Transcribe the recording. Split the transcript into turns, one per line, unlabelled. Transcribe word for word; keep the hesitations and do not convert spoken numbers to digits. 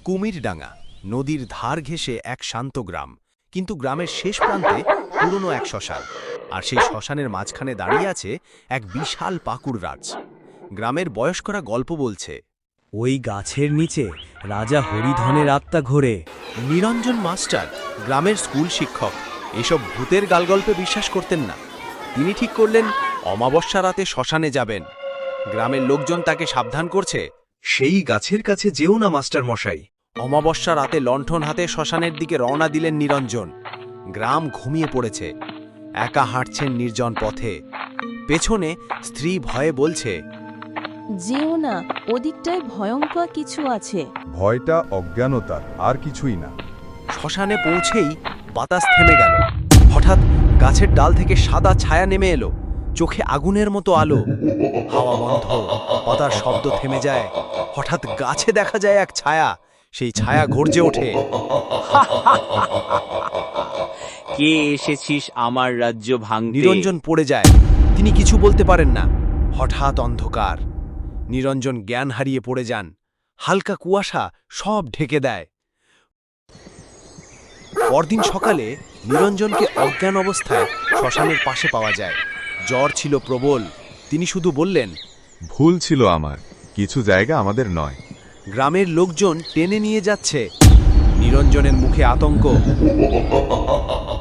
কুমিরডাঙ্গা নদীর ধার ঘেঁষে এক শান্ত গ্রাম, কিন্তু গ্রামের শেষ প্রান্তে পুরনো এক শ্মশান, আর সেই শ্মশানের মাঝখানে দাঁড়িয়ে আছে এক বিশাল পাকুড় রাজ। গ্রামের বয়স্করা গল্প বলছে,
ওই গাছের নিচে রাজা হরিধনের আত্মা ঘোরে।
নিরঞ্জন মাস্টার, গ্রামের স্কুল শিক্ষক, এসব ভূতের গালগল্পে বিশ্বাস করতেন না। তিনি ঠিক করলেন অমাবস্যা রাতে শ্মশানে যাবেন। গ্রামের লোকজন তাকে সাবধান করছে,
সেই গাছের কাছে যেও না মাস্টার মশাই।
অমাবস্যা রাতে লণ্ঠন হাতে শ্মশানের দিকে রওনা দিলেন নিরঞ্জন। গ্রাম ঘুমিয়ে পড়েছে, একা হাঁটছেন নির্জন পথে। পেছনে স্ত্রী ভয়ে বলছে,
যেও না, ওদিকটায় ভয়ঙ্কর কিছু আছে।
ভয়টা অজ্ঞানতার, আর কিছুই না।
শ্মশানে পৌঁছেই বাতাস থেমে গেল। হঠাৎ গাছের ডাল থেকে সাদা ছায়া নেমে এলো, চোখে আগুনের মতো আলো। হাওয়া বন্ধ, পাতার শব্দ থেমে যায়। হঠাৎ গাছে দেখা যায় এক ছায়া, সেই ছায়া গর্জে ওঠে,
কে এসেছিস আমার রাজ্য ভাঙতে?
নিরঞ্জন পড়ে যায়, তিনি কিছু বলতে পারেন না। হঠাৎ অন্ধকার, নিরঞ্জন জ্ঞান হারিয়ে পড়ে যান। হালকা কুয়াশা সব ঢেকে দেয়। পরদিন সকালে নিরঞ্জনকে অজ্ঞান অবস্থায় শ্মশানের পাশে পাওয়া যায়। জ্বর ছিল প্রবল, তিনি শুধু বললেন,
ভুল ছিল আমার, কিছু জায়গা আমাদের নয়।
গ্রামের লোকজন টেনে নিয়ে যাচ্ছে। নিরঞ্জনের মুখে আতঙ্ক।